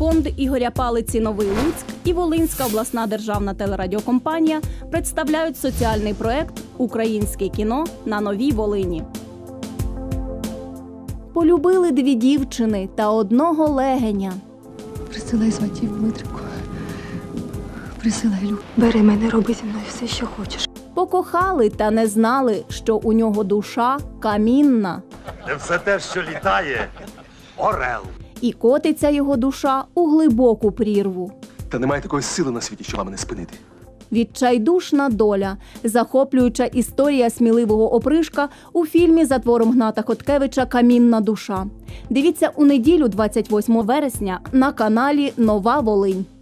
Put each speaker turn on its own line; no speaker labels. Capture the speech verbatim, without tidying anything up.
фонд Ігоря Палиці «Новий Луцьк» і Волинська обласна державна телерадіокомпанія представляють соціальний проект «Українське кіно на Новій Волині». Полюбили дві дівчини та одного легеня.
Присилай сватів, Дмитрику. Присилай, Лю. Бери мене, роби зі мною все, що хочеш.
Покохали та не знали, що у нього душа камінна.
Це все те, що літає – орел.
І котиться його душа у глибоку прірву.
Та немає такої сили на світі, що мене спинити.
Відчайдушна доля. Захоплююча історія сміливого опришка у фільмі за твором Гната Хоткевича «Камінна душа». Дивіться у неділю, двадцять восьмого вересня, на каналі «Нова Волинь».